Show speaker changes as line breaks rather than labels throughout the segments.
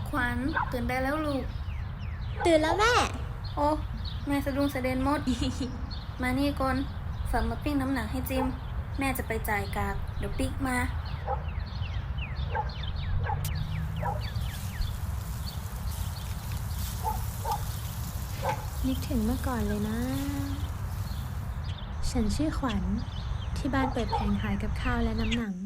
ขวัญตื่นได้แล้วลูก
ตื่นแล้วแม่
โอ้แม่สะดุ้งสะเด็นหมด มานี่ก่อนฝากมาปิ้งน้ำหนังให้จิม แม่จะไปจ่ายกากเดี๋ยวปิ๊กมา
นึกถึงเมื่อก่อนเลยนะ ฉันชื่อขวัญที่บ้านเปิดแผงขายกับข้าวและน้ำหนัง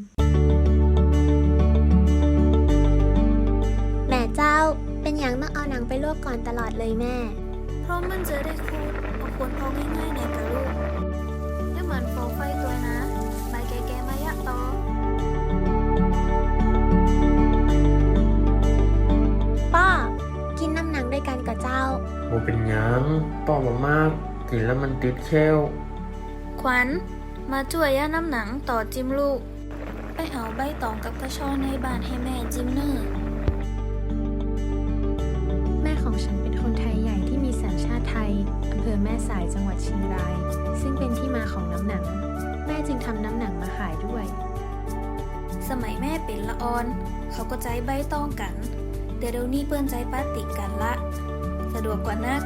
แม่เจ้าเป็นอย่างต้องเอาหนังไปลวกก่อนตลอดเลยแม่
เพราะมันจะได้คูดเอาคนพอง่ายๆในกะลูกไม่เหมือนโฟไฟตัวนะใบแก่ๆมายะต่อ
ป้ากินน้ำหนังด้วยกันกับเจ้า
โมเป็นหยังป้อมามากกินแล้วมันติดแค้ว
ขวัญมาช่วยย่าน้ำหนังต่อจิมลูก ไปเอาใบตองกับกระชอนในบ้านให้แม่จิมเนอร์
แม่ของฉันเป็นคนไทยใหญ่ที่มีสัญชาติไทยอำเภอแม่สายจังหวัดเชียงราย ซึ่งเป็นที่มาของน้ำหนัง แม่จึงทำน้ำหนังมาขายด้วย
สมัยแม่เป็นละออน เขาก็ใจใบตองกัน แต่เดี๋ยวนี้เปิ้นใจปาติกกันละ สะดวกกว่านัก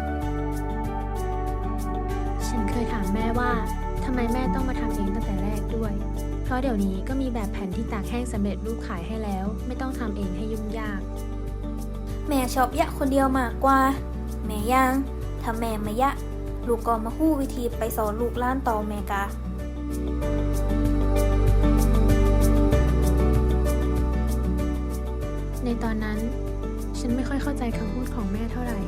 ฉันเคยถามแม่ว่าทำไมแม่ต้องมาทำเองตั้งแต่แรกด้วย เพราะเดี๋ยวนี้ก็มีแบบแผ่นที่ตากแห้งสำเร็จรูปขายให้แล้ว ไม่ต้องทำเองให้ยุ่งยาก
แม่ชอบยะคนเดียวมากกว่า แม่ย่างถ้าแม่มายะ ลูกก็มาฮู้วิธีไปสอนลูกล้านต่อแม่กา
ในตอนนั้นฉันไม่ค่อยเข้าใจคำพูดของแม่เท่าไหร่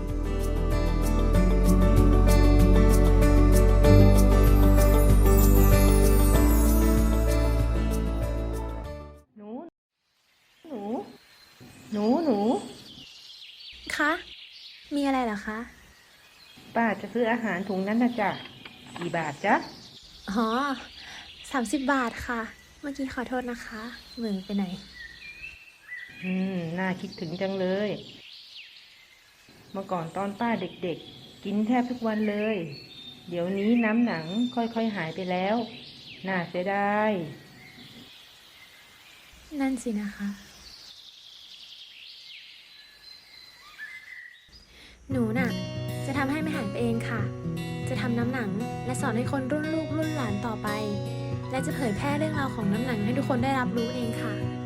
หนู หนู หนู หนู
คะ มีอะไรเหรอคะ
ป้าจะซื้ออาหารถุงนั้นนะจ๊ะ กี่บาทจ๊ะ
อ๋อ30 บาทค่ะ เมื่อกี้ขอโทษนะคะเหมืองไปไหน
น่าคิดถึงจังเลย เมื่อก่อนตอนป้าเด็กๆ กินแทบทุกวันเลย เดี๋ยวนี้น้ำหนังค่อยๆหายไปแล้ว น่าเสียดาย
นั่นสินะคะ หนูน่ะ จะทำให้ไม่หายไปเองค่ะ จะทำน้ำหนังและสอนให้คนรุ่นลูกรุ่นหลานต่อไป และจะเผยแพร่เรื่องราวของน้ำหนังให้ทุกคนได้รับรู้เองค่ะ